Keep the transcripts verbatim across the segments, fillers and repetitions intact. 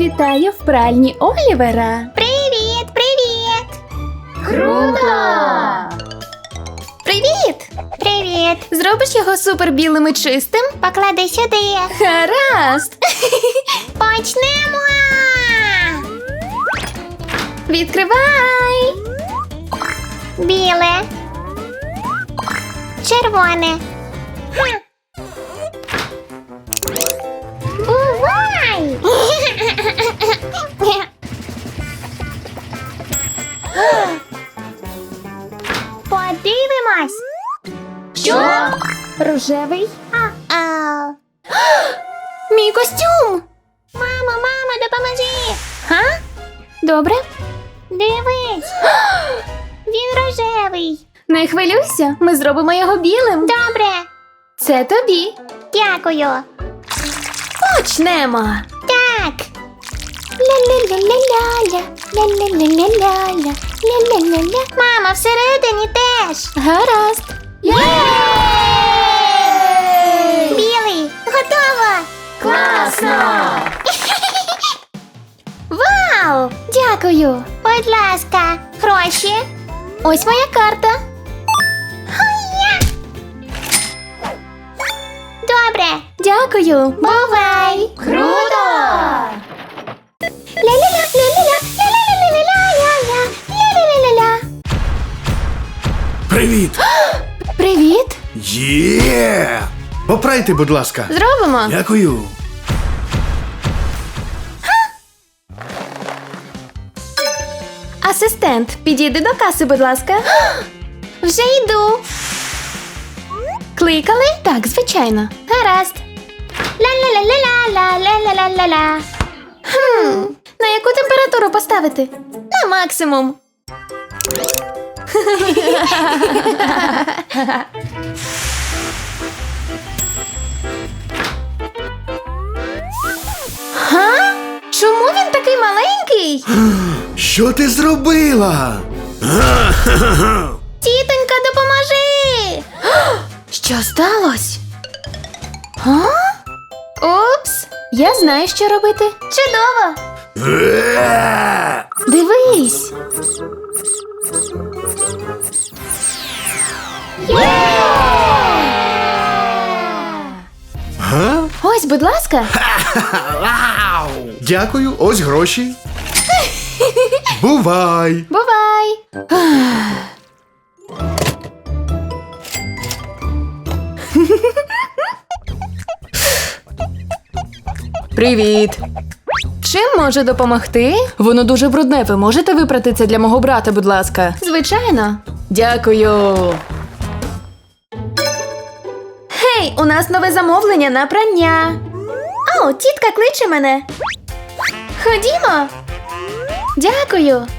Вітаю в пральні Олівера. Привіт, привіт! Круто! Привіт! Привіт! Зробиш його супер білим і чистим? Поклади сюди. Гаразд! Почнемо! Відкривай! Біле. Червоне. Ха. Бувай! Подивимось. Що? Рожевий? А-а. Мій костюм! Мамо, мамо, допоможи! Га? Добре. Дивись. Він рожевий. Не хвилюйся, ми зробимо його білим. Добре. Це тобі. Дякую. Почнемо. Так. Ля-ля-ля-ля-ля, ля-ля-ля-ля-ля, ля-ля-ля-ля. Мама, всередині теж. Гаразд. Білий, готово. Класно! Вау! Дякую. Будь ласка, гроші. Ось моя карта. Ой-я. Добре. Дякую. Бувай. Круто! Ля-ля-ля, ля-ля-ля, ля-ля-ля-ля-ля-ля-ля, ля-ля-ля-ля-ля. Привіт! Привіт. Є! Попрайте, будь ласка. Зробимо. Дякую. Асистент, підійди до каси, будь ласка. Вже йду. Кликали? Так, звичайно. Гаразд. Ля-ля-ля-ля-ля, ля-ля-ля-ля-ля. Хм, на яку температуру поставити? На максимум. Га? Чому він такий маленький? Що ти зробила? Тітонька, допоможи! Що сталося? Га? Упс, я знаю, що робити. Чудово! Е! Дивись! Га? Ось, будь ласка. Вау! Дякую, ось гроші. Бувай! Бувай! Привіт! Чим можу допомогти? Воно дуже брудне. Ви можете випрати це для мого брата, будь ласка? Звичайно. Дякую. Гей, у нас нове замовлення на прання. О, тітка кличе мене. Ходімо. Дякую.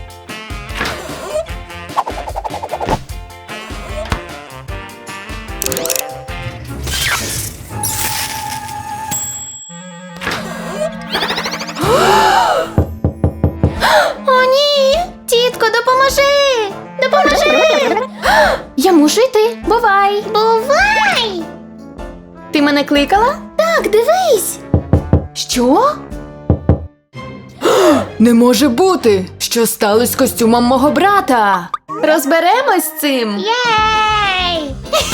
О, ні! Тітко, допоможи! Допоможи! Я мушу йти. Бувай! Бувай! Ти мене кликала? Так, дивись. Що? Не може бути! Що сталося з костюмом мого брата? Розберемось з цим. Єй!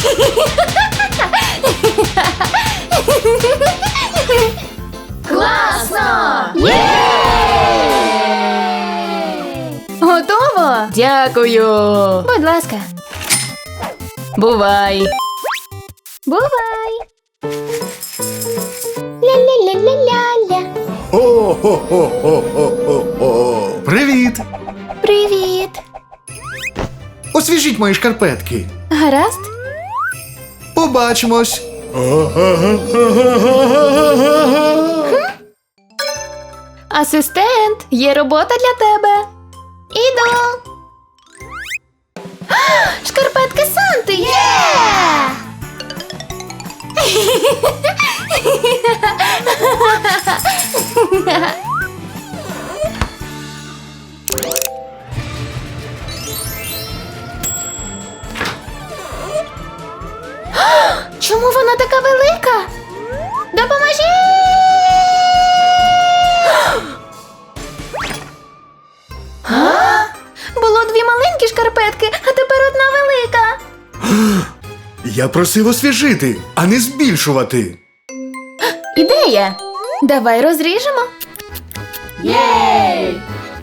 Класно! Готово? Дякую. Будь ласка. Бувай. Бувай. Ля-ля-ля-ля-ля-ля. О-хо-хо-хо-хо-хо-хо. Привіт! Привіт. Освіжіть мої шкарпетки. Гаразд? Побачимось. Асистент, є робота для тебе. Іду. Шкарпетки Санти! Є! Чому вона така велика? Допоможіть! Я просив освіжити, а не збільшувати. Ідея! Давай розріжемо. Єй!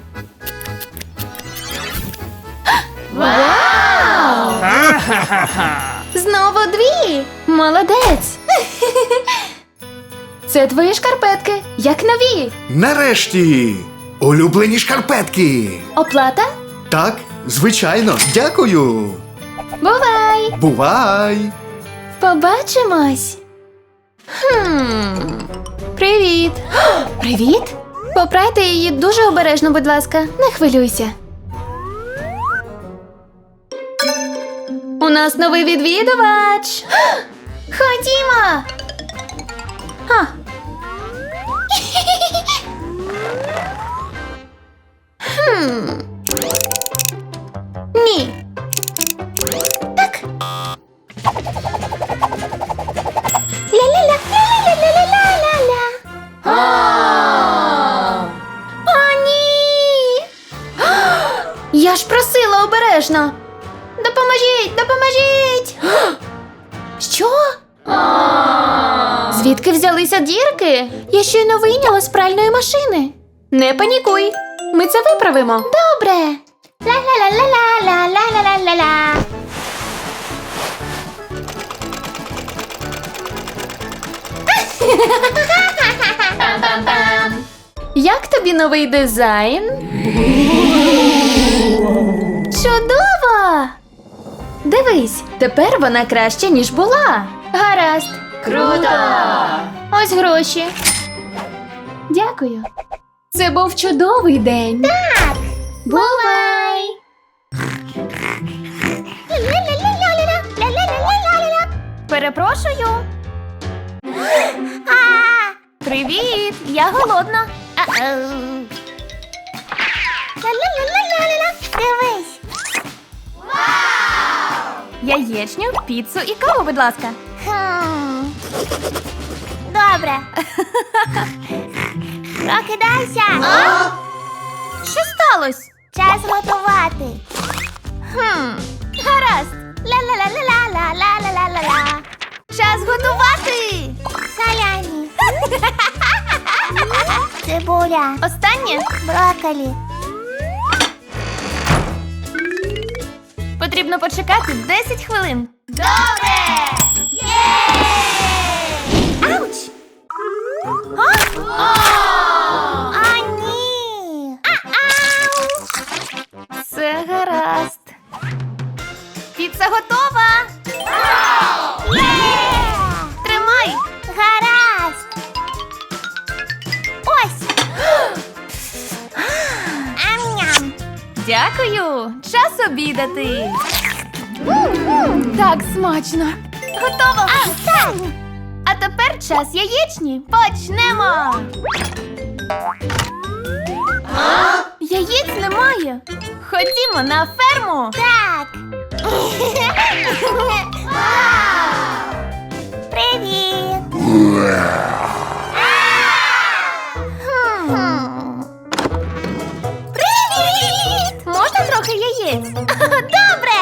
Вау! Знову дві! Молодець! Це твої шкарпетки, як нові. Нарешті! Улюблені шкарпетки! Оплата? Так, звичайно, дякую! Бувай! Бувай! Побачимось. Хм. Привіт. Привіт. Попрайте її дуже обережно, будь ласка. Не хвилюйся. У нас новий відвідувач. Ходімо. А. Хм. Ні. Так. Ля-ля-ля, ля-ля-ля-ля-ля-ля-ля. О, ні! Я ж просила обережно. Допоможіть, допоможіть! Що? Звідки взялися дірки? Я щойно вийняла з пральної машини. Не панікуй. Ми це виправимо. Добре. Ля-ля-ля-ля-ля-ля-ля-ля-ля-ля. Як тобі новий дизайн? Чудово! Дивись, тепер вона краще, ніж була. Гаразд. Круто! Ось гроші. Дякую. Це був чудовий день. Так. Бувай! Ля-ля-ля-ля-ля-ля, ля-ля-ля-ля-ля-ля. Перепрошую. А, Привіт! Я голодна. а-оу. Ля-ля-ля-ля-ля-ля. Дивись. Яєчню, піцу і каву, будь ласка. Хм. Добре. Прокидайся. Що сталося? Час готувати. Хм, гаразд. Ля-ля-ля-ля-ля-ля-ля-ля-ля. Час готувати. Саляні. Цибуля. Останнє Брокколі. потрібно почекати десять хвилин. Добре! Ауч! А, ні! А-ау! Все гаразд. Піца готова. Є! Тримай. Гаразд! Ось! Ам-ням! Дякую. Час обідати. Так смачно. Готово. А, так! А тепер час яєчні. Почнемо. Яєць немає. Ходімо на ферму. Так! Привіт! Хм. Привіт! Можна трохи яєць? Добре!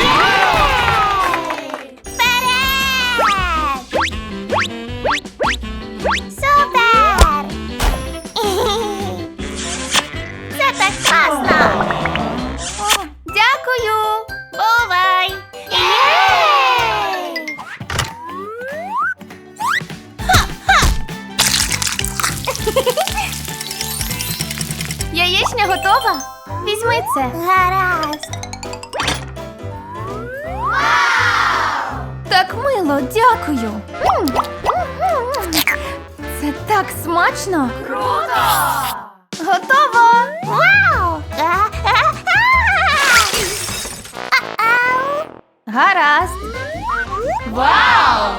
Вперед! Супер! Це так класно! Дякую. Бувай! Єй! Яєчня готова? Візьми це. Гаразд! Так мило, дякую. Це так смачно. Круто! Готово! Вау! А-ау! Гаразд. Вау!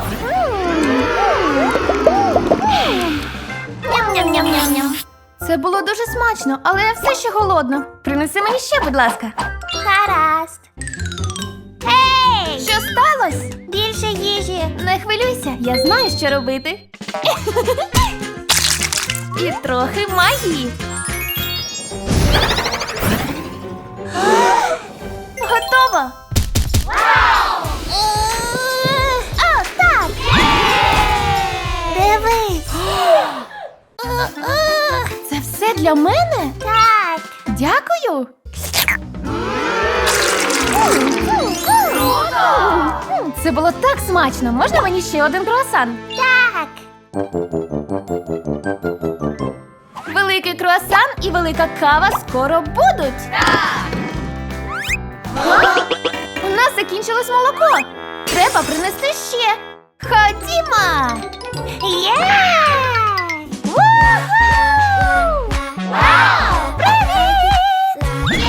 Ням-ням-ням-ням-ням. Це було дуже смачно, але я все ще голодна. Принеси мені ще, будь ласка. Гаразд. Ей! Що сталося? Більше їжі. Не хвилюйся, я знаю, що робити. І трохи магії. Готово! для мене? Так. Дякую. М, Це було так смачно. Можна мені ще один круасан? Так. Великий круасан і велика кава скоро будуть. У нас закінчилось молоко. Треба принести ще. Ходімо. Є! Ву-ху! Вау! Привіт!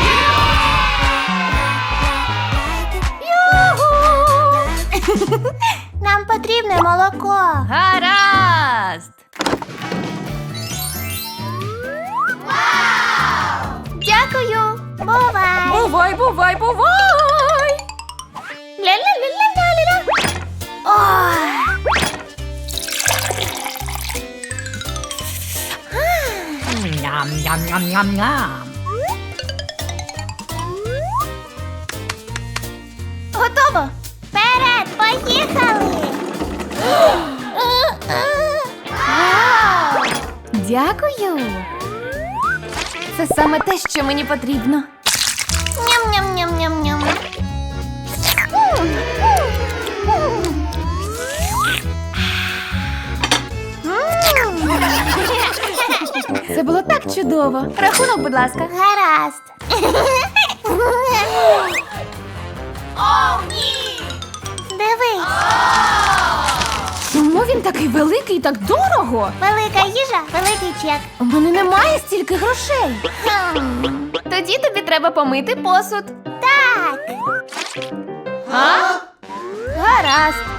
Юху! Нам потрібне молоко. Гаразд. Дякую. Бувай. Бувай, бувай, бувай. Ля-ля-ля-ля-ля-ля. Ой. Ням-ням-ням-ням-ням. Готово. Вперед, поїхали. Дякую. Це саме те, що мені потрібно. Ням-ням-ням-ням-ням. Це було так чудово. Рахунок, будь ласка. Гаразд. Дивись, Чому він такий великий і так дорого? велика їжа, великий чек. У мене немає стільки грошей. Хм. Тоді тобі треба помити посуд. Так. А? Гаразд.